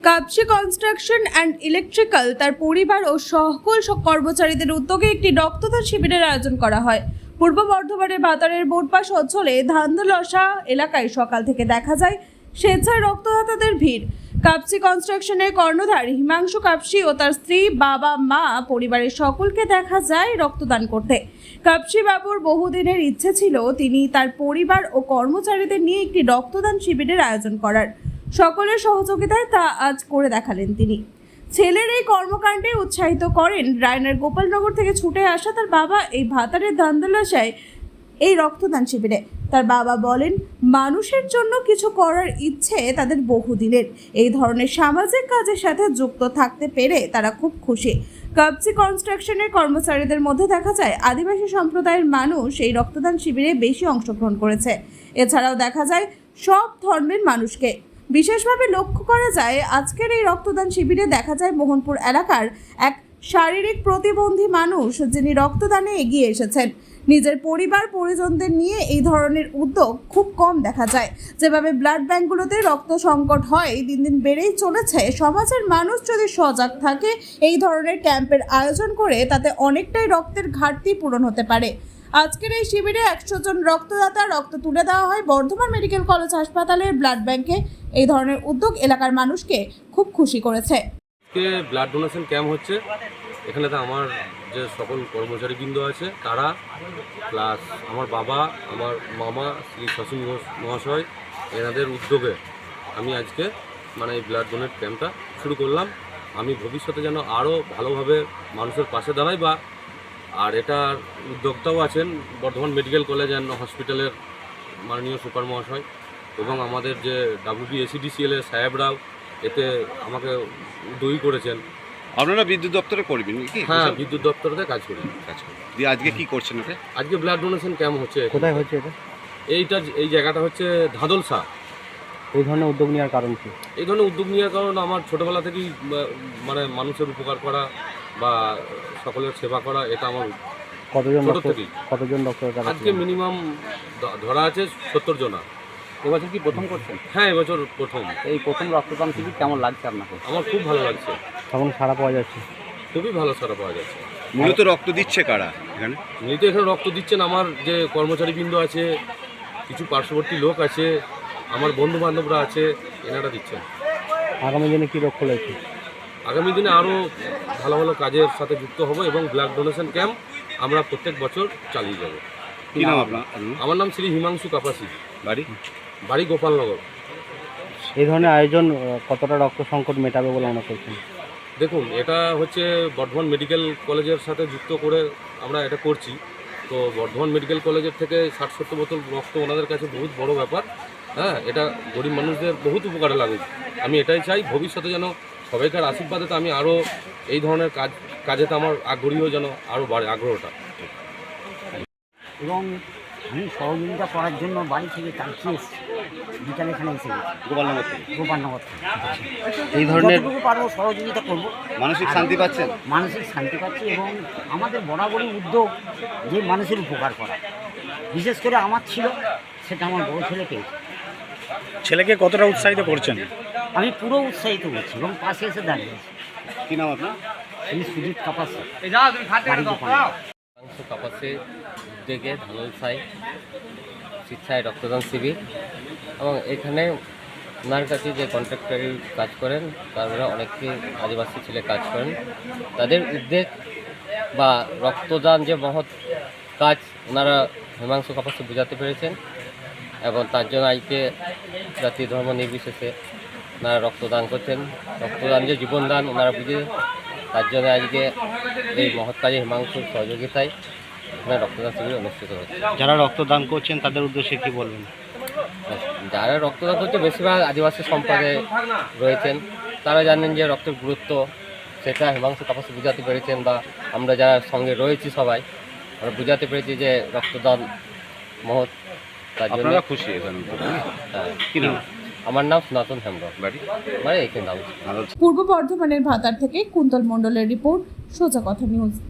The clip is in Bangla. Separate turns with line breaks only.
কাপসি কনস্ট্রাকশন অ্যান্ড ইলেকট্রিক্যাল তার পরিবার ও সকল কর্মচারীদের উদ্যোগে একটি রক্তদান শিবিরের আয়োজন করা হয়। পূর্ব বর্ধমানের ভাতারের বোটপাস অঞ্চলে ধান্দলসা এলাকায় সকাল থেকে দেখা যায় স্বেচ্ছায় রক্তদাতাদের ভিড়। কাপসি কনস্ট্রাকশনের কর্ণধার হিমাংশু কাপসি ও তার স্ত্রী, বাবা, মা, পরিবারের সকলকে দেখা যায় রক্তদান করতে। কাপসি বাবুর বহুদিনের ইচ্ছে ছিল তিনি তার পরিবার ও কর্মচারীদের নিয়ে একটি রক্তদান শিবিরের আয়োজন করার। সকলের সহযোগিতায় তা আজ করে দেখালেন তিনি। ছেলের এই কর্মকাণ্ডে উৎসাহিত করেন রায়নার গোপালনগর থেকে ছুটে আসা তার বাবা এই ভাতারের ধান্দলাশায় এই রক্তদান শিবিরে। তার বাবা বলেন, মানুষের জন্য কিছু করার ইচ্ছে তাদের বহুদিনের। এই ধরনের সামাজিক কাজের সাথে যুক্ত থাকতে পেরে তারা খুব খুশি। কাপসি কনস্ট্রাকশনের কর্মচারীদের মধ্যে দেখা যায় আদিবাসী সম্প্রদায়ের মানুষ এই রক্তদান শিবিরে বেশি অংশগ্রহণ করেছে। এছাড়াও দেখা যায় সব ধর্মের মানুষকে। বিশেষভাবে লক্ষ্য করা যায় আজকের এই রক্তদান শিবিরে দেখা যায় মোহনপুর এলাকার এক শারীরিক প্রতিবন্ধী মানুষ যিনি রক্তদানে এগিয়ে এসেছেন। নিজের পরিবার পরিজনদের নিয়ে এই ধরনের উদ্যোগ খুব কম দেখা যায়। যেভাবে ব্লাড ব্যাঙ্কগুলোতে রক্ত সংকট হয় দিন দিন বেড়েই চলেছে, সমাজের মানুষ যদি সজাগ থাকে এই ধরনের ক্যাম্পের আয়োজন করে তাতে অনেকটাই রক্তের ঘাটতি পূরণ হতে পারে। আজকের এই শিবিরে 100 জন রক্তদাতা রক্ত তুলে দেওয়া হয় বর্ধমান মেডিকেল কলেজ হাসপাতালের ব্লাড ব্যাংকে। এই ধরনের উদ্যোগ এলাকার মানুষকে খুব খুশি করেছে।
ব্লাড ডোনেশন ক্যাম্প হচ্ছে এখানে, তো আমার যে সকল কর্মচারীবৃন্দ আছে তারা, প্লাস আমার বাবা, আমার মামা শ্রী শশী ঘোষ মহাশয়, এনাদের উদ্যোগে আমি আজকে এই ব্লাড ডোনেট ক্যাম্পটা শুরু করলাম। আমি ভবিষ্যতে যেন আরও ভালোভাবে মানুষের পাশে দাঁড়াই আর এটার উদ্যোক্তাও আছেন বর্ধমান মেডিকেল কলেজ অ্যান্ড হসপিটালের মাননীয় সুপার মহাশয় এবং আমাদের যে WBACDCL এর সাহেবরাও এতে আমাকে উদ্যোগী করেছেন।
আপনারা বিদ্যুৎ দপ্তরে করবেন কি?
হ্যাঁ, বিদ্যুৎ দপ্তরে কাজ করি।
দিয়ে আজকে কি করছেন এটা?
আজকে ব্লাড ডোনেশন ক্যাম্প হচ্ছে।
কোথায় হচ্ছে এটা?
এই জায়গাটা হচ্ছে ধাদলসা।
এই ধরনের উদ্যোগ নেওয়ার কারণ কি?
এই ধরনের উদ্যোগ নেওয়ার কারণ আমার ছোটোবেলা থেকেই মানুষের উপকার করা বা সকলের সেবা করা, এটা আমার
কতজন ডক্টর?
আজকে মিনিমাম ধরা আছে 70 জনা।
এবছর কি প্রথম করছেন?
হ্যাঁ, এবছর প্রথম।
এই প্রথম রক্তদান শিবির কেমন লাগছে আপনাকে?
আমার খুব ভালো লাগছে।
তখন সাড়া পাওয়া যাচ্ছে?
খুবই ভালো সাড়া পাওয়া যাচ্ছে।
মূলত রক্ত দিচ্ছে কারা এখানে?
মূলত এখানে রক্ত দিচ্ছেন আমার যে কর্মচারীবৃন্দ আছে, কিছু পার্শ্ববর্তী লোক আছে, আমার বন্ধু বান্ধবরা আছে, এনারা দিচ্ছেন।
আগামী দিনে কী লক্ষ্য রয়েছে?
আগামী দিনে আরও ভালো ভালো কাজের সাথে যুক্ত হব এবং ব্লাড ডোনেশন ক্যাম্প আমরা প্রত্যেক বছর চালিয়ে যাব।
কী নাম আপনার?
আমার নাম শ্রী হিমাংশু কাপাসি, বাড়ি গোপালনগর।
এই ধরনের আয়োজন কতটা রক্ত সংকট মেটাবে বলে মনে করছেন?
দেখুন, এটা হচ্ছে বর্ধমান মেডিকেল কলেজের সাথে যুক্ত করে আমরা এটা করছি। তো বর্ধমান মেডিকেল কলেজের থেকে 60-70 বোতল রক্ত ওনাদের কাছে বহুত বড় ব্যাপার। হ্যাঁ, এটা গরিব মানুষদের বহুত উপকারে লাগুক। আমি এটাই চাই ভবিষ্যতে যেন সবাইকার আশীর্বাদে তো আমি আরও এই ধরনের কাজেতে আমার আগ্রহীও যেন আরও বাড়ে আগ্রহটা।
এবং আমি সহযোগিতা করার জন্য বাড়ি থেকে কালকে এসেছি, বিকালে এখানে এসে
গোপালনগর থেকে।
এই ধরনের
যতটুকু পারবো সহযোগিতা করবো।
মানসিক শান্তি পাচ্ছেন?
মানসিক শান্তি পাচ্ছি এবং আমাদের বরাবরই উদ্যোগ যে মানুষের উপকার করা, বিশেষ করে আমার ছিল, সেটা আমার বড় ছেলে পেয়েছে।
ছেলেকে কতটা উৎসাহিত করছেন?
আমি পুরো উৎসাহিত করছি এবং পাশে এসে দাঁড়িয়েছি।
কী নাম আপনার?
তিনি সুজিত কাপাসি,
কাপাসের উদ্যোগে ধানলসায় স্বেচ্ছায় রক্তদান শিবির এবং এখানে ওনার কাছে যে কন্ট্রাক্টরি কাজ করেন তারা অনেকে আদিবাসী ছেলে কাজ করেন। তাদের উদ্যোগ বা রক্তদান যে মহৎ কাজ ওনারা হিমাংশু কাপাসে বোঝাতে পেরেছেন এবং তার জন্য আজকে জাতি ধর্ম নির্বিশেষে ওনারা রক্তদান করছেন। রক্তদান যে জীবনদান ওনারা বুঝে, তার জন্য আজকে এই মহৎ কাজে হিমাংশুর সহযোগিতায় এখানে রক্তদান শিবির অনুষ্ঠিত হচ্ছে।
যারা রক্তদান করছেন তাদের উদ্দেশ্যে কী বলবেন?
যারা রক্তদান করছে বেশিরভাগ আদিবাসী সম্প্রদায়ে রয়েছেন, তারা জানেন যে রক্তের গুরুত্ব, সেটা হিমাংশু কাপাসে বোঝাতে পেরেছেন বা আমরা যারা সঙ্গে রয়েছি সবাই আমরা বোঝাতে পেরেছি যে রক্তদান মহৎ। তার জন্য
খুশি এখানে?
হ্যাঁ।
কী নাম?
আমার নাম সনাতন হেমব্রম, বাড়ি এখানে।
পূর্ব বর্ধমানের ভাতার থেকে কুন্তল মণ্ডলের রিপোর্ট, সোজা কথা নিউজ।